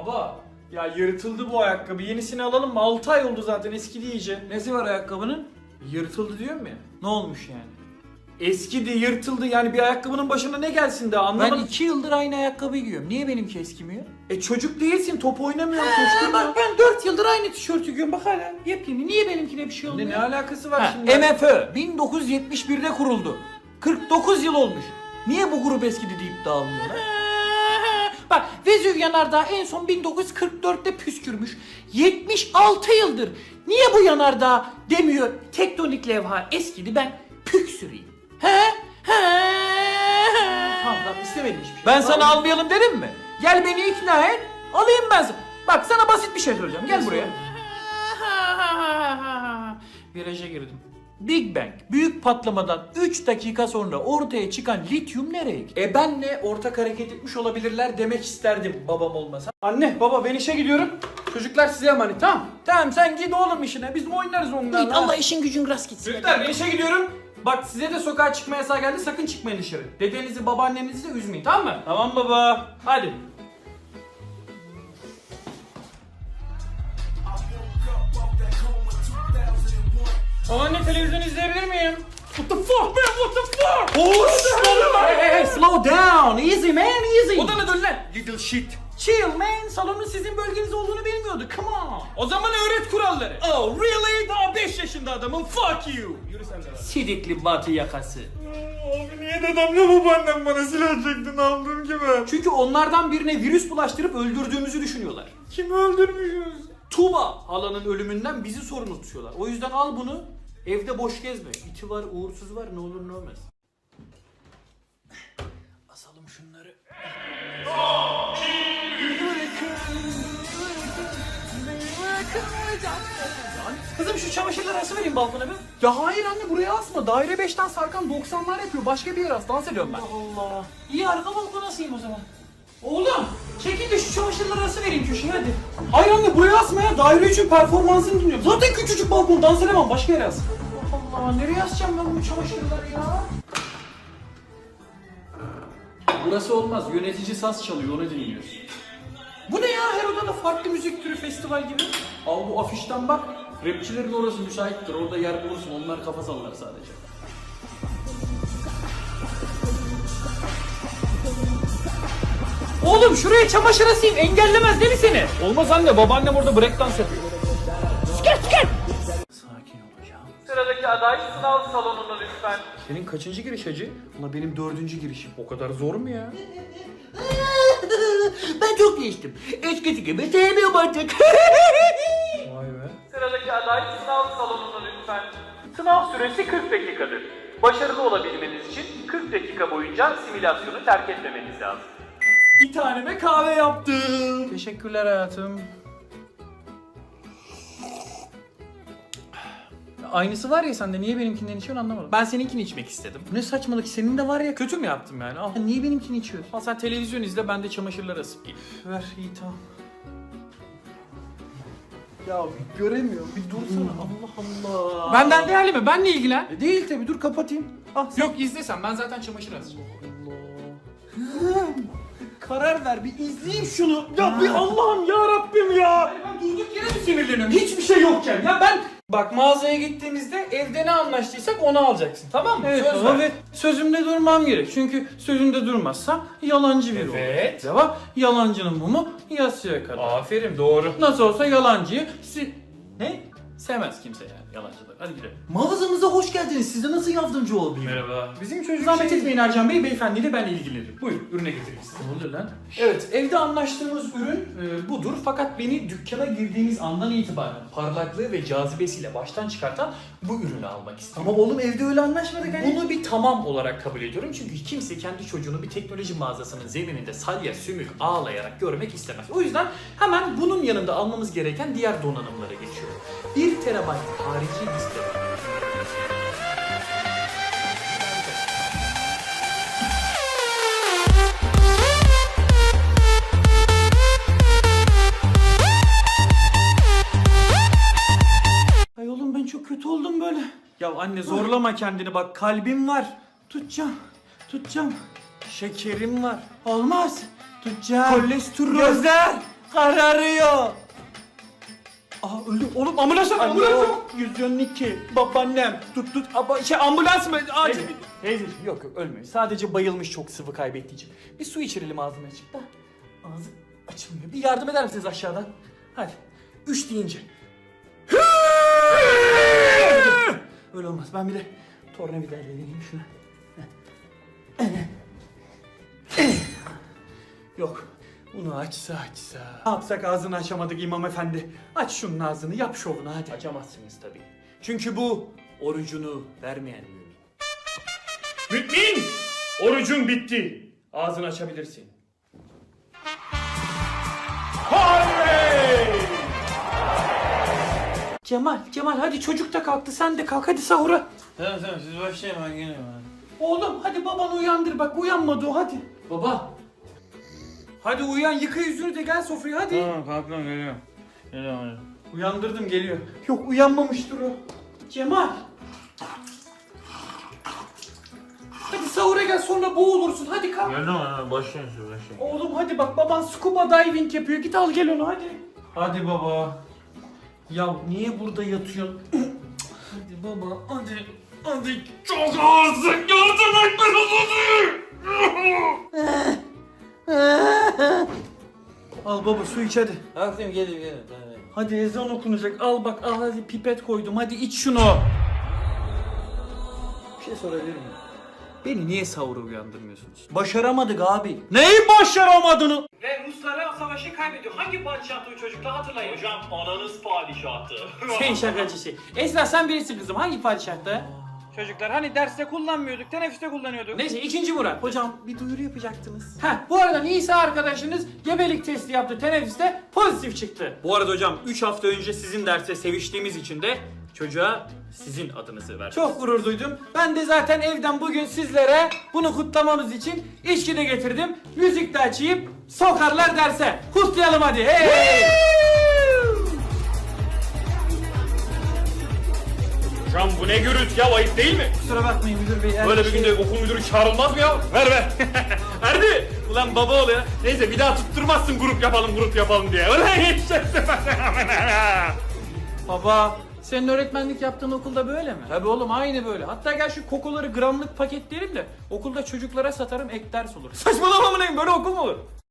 Baba ya yırtıldı bu ayakkabı. Yenisini alalım mı? 6 ay oldu zaten, eskidi iyice. Nesi var ayakkabının? Yırtıldı diyorum ya. Ne olmuş yani? Eskidi, yırtıldı, yani bir ayakkabının başına ne gelsin daha, anlamadım. Ben 2 yıldır aynı ayakkabıyı giyiyorum. Niye benimki eskimiyor? Çocuk değilsin, top oynamıyorsun, koşturmuyorsun. Bak ben 4 yıldır aynı tişörtü giyiyorum. Bak hala yepyeni. Niye benimkine bir şey olmuyor? Ne alakası var şimdi? MFÖ 1971'de kuruldu. 49 yıl olmuş. Niye bu grup eskidi deyip dağılmıyorlar? Bak Vezüv yanardağı en son 1944'te püskürmüş. 76 yıldır. Niye bu yanardağ demiyor tektonik levha eskidi, ben püksüreyim? Tamam istemedim hiçbir şey. Ben sana almayalım dedim mi? Gel beni ikna et. Alayım ben sana. Bak sana basit bir şey söyleyeceğim. Gel buraya. Viraja girdim. Big Bang büyük patlamadan 3 dakika sonra ortaya çıkan lityum nereye gitti? Benle ortak hareket etmiş olabilirler demek isterdim babam olmasa. Anne, baba, ben işe gidiyorum. Çocuklar size emanet, tamam. Tamam sen git oğlum işine, biz oynarız onlarla. Git, Allah işin gücün rast gitsin. Çocuklar ben işe gidiyorum. Bak size de sokağa çıkma yasağı geldi, sakın çıkmayın dışarı. Dedenizi, babaannenizi de üzmeyin, tamam mı? Tamam baba. Hadi. Babaanne, televizyon izleyebilir miyim? What the fuck man, what the fuck? Hey, slow down. Easy man, easy. Odana dön lan, little shit. Chill man. Salonun sizin bölgeniz olduğunu bilmiyordu. Come on. O zaman öğret kuralları. Oh really? Daha 5 yaşında adamım, fuck you. Yürü sen de lan. Sidikli batı yakası. Abi niye dedemle babaannem bana silah çektin aldığım gibi? Çünkü onlardan birine virüs bulaştırıp öldürdüğümüzü düşünüyorlar. Kimi öldürmüşüz? Tuğba halanın ölümünden bizi sorumlu tutuyorlar. O yüzden al bunu, evde boş gezme. İti var, uğursuz var, ne olur ne olmaz. Asalım şunları. Kızım şu çamaşırları asıvereyim balkona bir. Ya hayır anne, buraya asma. Daire 5'ten sarkan 90'lar yapıyor. Başka bir yere as. Dans ediyorum ben. Allah. İyi, arka balkona asayım o zaman. Oğlum çekil de şu çamaşırları asıvereyim köşeye hadi. Hayır anne, buraya asma ya. Daire 3'ün performansını dinliyorum. Zaten küçücük balkon, dans edemem. Başka yere as. Allah, nereye asacağım ben bu çamaşırları ya? Burası olmaz. Yönetici saz çalıyor, onu dinliyorsun. Bu ne ya, her odada farklı müzik türü, festival gibi. Al bu afişten bak. Rapçilerin orası müsaittir. Orada yer bulursun. Onlar kafa sallar sadece. Oğlum şuraya çamaşır asayım, engellemez değil mi seni? Olmaz anne. Babaannem orada breakdance yapıyor. Sakin olacağım. Sıradaki aday sınav salonuna lütfen. Senin kaçıncı giriş hacı? Ulan benim 4. girişim. O kadar zor mu ya? Ben çok geçtim. Eskisi gibi sevmiyorum artık. Vay be. Sıradaki aday sınav salonuna lütfen. Sınav süresi 40 dakikadır. Başarılı olabilmeniz için 40 dakika boyunca simülasyonu terk etmemeniz lazım. Bir taneme kahve yaptım. Teşekkürler hayatım. Aynısı var ya sende, niye benimkinden içiyorsun anlamadım. Ben seninkini içmek istedim. Ne saçmalık, senin de var ya, kötü mü yaptım yani? Al. Niye benimkini içiyorsun? Al sen televizyon izle, ben de çamaşırları asıp geleyim. Ver, iyi tamam. Ya bir göremiyorum, bir dursana. Allah Allah. Benden değerli mi? Benle ilgilen. Değil tabi, dur kapatayım. Ah, sen... Yok izlesen, ben zaten çamaşır asacağım. Karar ver, bir izleyeyim şunu. Ya bir Allah'ım ya Rabbim ya. Ben durduk yere mi sinirleniyorum? Hiçbir şey yokken ya ben... Bak mağazaya gittiğimizde evde ne anlaştıysak onu alacaksın, tamam mı? Evet, Söz baba, ver. Ve sözümde durmam gerek. Çünkü sözümde durmazsam yalancı biri olur. Evet. Cevap, yalancının mumu yasaya kadar. Aferin, doğru. Nasıl olsa yalancıyı ne? Sevmez kimse yani yalancılar. Hadi gidelim. Mağazamıza hoş geldiniz. Size nasıl yardımcı olabilirim? Merhaba. Bizim çocuk Zahmet şey... etmeyin Ercan Bey, beyefendiyle ben ilgilenirim. Buyurun, ürüne getireyim size. Ne oluyor lan? Evet, evde anlaştığımız ürün budur. Fakat beni dükkana girdiğimiz andan itibaren parlaklığı ve cazibesiyle baştan çıkartan bu ürünü almak istedim. Ama oğlum evde öyle anlaşmadık hani. Bunu bir tamam olarak kabul ediyorum. Çünkü kimse kendi çocuğunu bir teknoloji mağazasının zemininde salya sümük ağlayarak görmek istemez. O yüzden hemen bunun yanında almamız gereken diğer donanımlara geçiyorum. 1 terabayt harici liste. Ay oğlum ben çok kötü oldum böyle. Ya anne zorlama kendini, bak kalbim var. Tutacağım. Şekerim var. Olmaz. Tutacağım. Kolesterol. Gözler. kararıyor. Aa öldü. Oğlum ambulans yok, ambulans Alo. yok. 112. Babaannem. Tut. Ambulans mı? Acil. Teyzeciğim yok ölmüyor. Sadece bayılmış, çok sıvı kaybettiği için. Bir su içirelim ağzına açık da. Ağzı açılmıyor. Bir yardım eder misiniz aşağıdan? Hadi. 3 deyince. Öyle olmaz. Ben bir de tornavidayla deneyeyim şunu. Yok. Bunu açsa. Ne yapsak, ağzını açamadık imam efendi. Aç şunun ağzını, yap şovunu hadi. Açamazsınız tabii. Çünkü bu orucunu vermeyen mümin. Mümin! Orucun bitti. Ağzını açabilirsin. Harvey! Cemal hadi, çocuk da kalktı, sen de kalk hadi sahura. Tamam siz başlayın ben geliyorum. Oğlum hadi babanı uyandır, bak uyanmadı o, hadi. Baba. Hadi uyan, yıka yüzünü de gel sofraya hadi. Tamam kalkıyorum geliyorum. Geliyorum. Uyandırdım, geliyor. Yok uyanmamıştır o. Cemal. Hadi sahura gel, sonra boğulursun, hadi kalk. Geldim başlayın siz başlayın. Oğlum hadi bak, baban scuba diving yapıyor, git al gel onu hadi. Hadi baba. Ya niye burada yatıyorsun? Hadi baba hadi. Hadi çok ağırsın, yardım et Al baba su iç hadi. Kalktım gelin. Hadi ezan okunacak, al bak, al hadi, pipet koydum, hadi iç şunu. Bir şey sorabilir miyim? Beni niye sahura uyandırmıyorsunuz? Başaramadık abi. Neyi başaramadığını? Ve Ruslara savaşı kaybediyor. Hangi padişahtı o çocuklar, hatırlayın. Hocam ananız padişahtı. Sen şakacısı. Esra sen birisin kızım, hangi padişahtı? Çocuklar hani derste kullanmıyorduk, teneffüste kullanıyorduk. Neyse 2. Murat. Hocam bir duyuru yapacaktınız. Bu arada Nisa arkadaşınız gebelik testi yaptı teneffüste, pozitif çıktı. Bu arada hocam 3 hafta önce sizin derste seviştiğimiz için de çocuğa sizin adınızı verdim. Çok gurur duydum. Ben de zaten evden bugün sizlere bunu kutlamamız için içki de getirdim. Müzik de açayım, sokarlar derse. Kutlayalım hadi. Hey! Hocam bu ne gürültü ya, ayıp değil mi? Kusura bakmayın müdür bey. Böyle bir günde okul müdürü çağrılmaz mı ya? Ver. Erdi! Ulan baba ol ya. Neyse bir daha tutturmazsın grup yapalım diye. Ulan yetişeceksin. Baba, senin öğretmenlik yaptığın okulda böyle mi? Tabii oğlum, aynı böyle. Hatta gel şu kokoları gramlık paketleyelim de okulda çocuklara satarım, ek ders olur. Saçmalama mı, böyle okul mu olur?